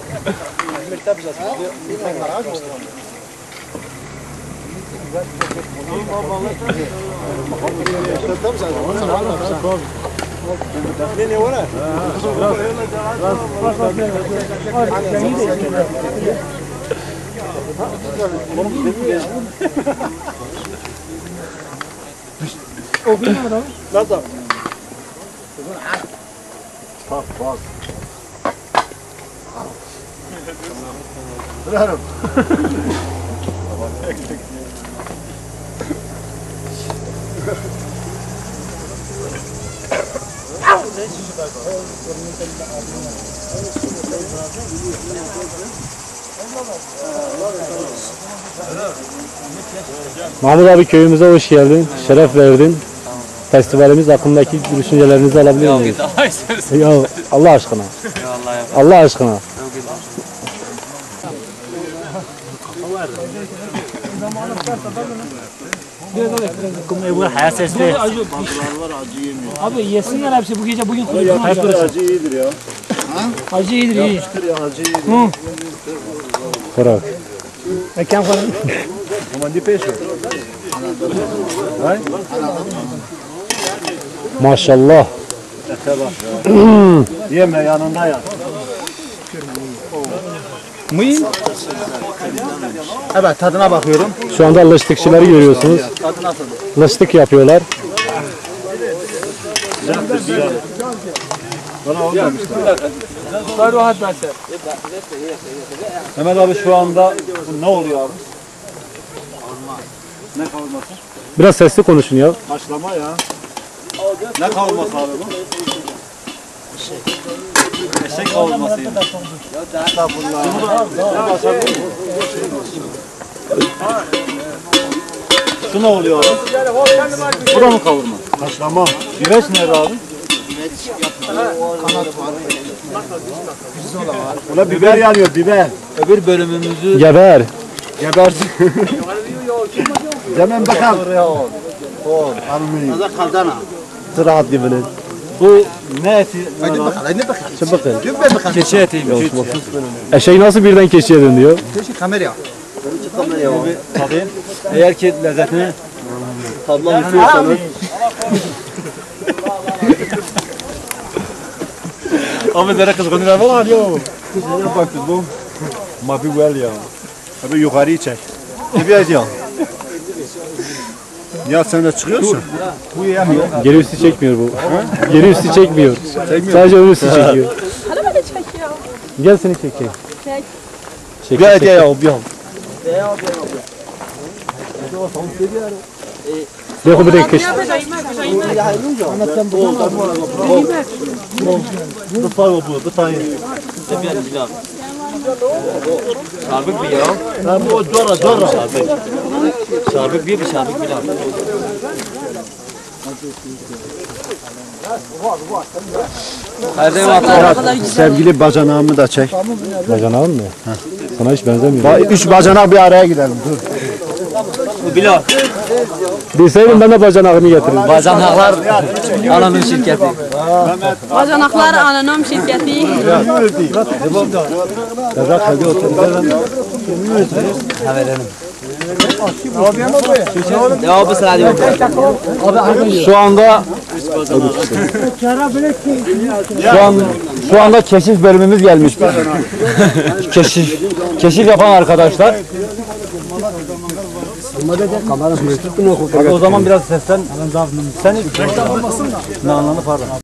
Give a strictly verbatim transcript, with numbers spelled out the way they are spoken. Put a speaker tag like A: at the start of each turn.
A: Nasıl?
B: Bak bak. Bravo.
C: Mahmut abi, köyümüze hoş geldin, şeref verdin. Festivalimiz hakkındaki düşüncelerinizi alabilir miyiz? Ya Allah aşkına. Allah aşkına.
D: Bu hayat sesli.
A: Abi yesinler hepsi bu gece bugün kuruyor.
B: Acı iyidir ya.
A: Acı iyidir iyi.
B: Acı iyidir.
C: Bırak.
A: Mekan falan.
B: Ama di peso. Hay?
C: Maşallah.
B: Yeme yanında ya.
D: Mıyım?
B: Evet, tadına bakıyorum.
C: Şu anda lıçtıkçıları görüyorsunuz.
B: Tadı nasıl?
C: Lıçtık yapıyorlar.
B: Bana olmamışlar.
A: Var rahat verse.
B: Mehmet abi şu anda bu ne oluyor abi? Ne kavurması?
C: Biraz sesli konuşun ya.
B: Haşlama ya. Ne kavurması abi bu? Eşek kavurması. Estağfurullah. Şu ne oluyor abi? Bu da mı kavurma? Haşlama. Güveç nerede abi? Kanat var. Ulan biber yanıyor, biber.
D: Öbür bölümümüzü
C: Geber.
B: Gebersin. Hemen bakalım. O, almayın.
D: Nazar kaldana.
B: Sırahat gibinin. Bu ne eti?
D: Hadi bakalım, hadi bakalım.
C: Şimdi bakın.
D: Göm ver bakalım.
B: Keçi etiymiş.
C: Eşeği nasıl birden keçiye dönüyor?
D: Keçi kamera. Kamera.
B: Tabii. Eğer ki lezzetini tadmak istiyorsanız. Ama zara kızgınlar var ya. Kızgınlar bak bu. Ma bir well ya. Abi yukarıyı çek. Bir ediyor. Ya sen de çıkıyorsun. Bu yemiyor.
C: Geri üstü çekmiyor bu. Geri üstü çekmiyor. Sadece ön üstü çekiyor.
E: Araba da çekiyor.
C: Gel seni çekeyim.
E: Çek.
C: Çek,
B: Bir
C: çek.
B: ediyor ya. Bir
C: देखो बेटे किस
D: Şarbık bir ya.
B: Ha bu cora cora.
D: Şarbık bir bir şarbık bir.
B: Sevgili bacanağımı da çek.
C: bacanağın mı? Sana hiç benzemiyor.
B: Ba üç bacanak bir araya gidelim. Dur.
D: Bu Bilal.
C: Bilseydim ben de bacanağını getiririm.
D: Bacanaklar ananın şirketi.
E: Bacanaklar anonim şirketi.
D: Ha verelim. Cevabı sıra diyor.
C: Şu anda şu an şu anda keşif bölümümüz gelmiştir. keşif keşif yapan arkadaşlar. Abi o zaman biraz sesten. Sen ne anlamı pardon.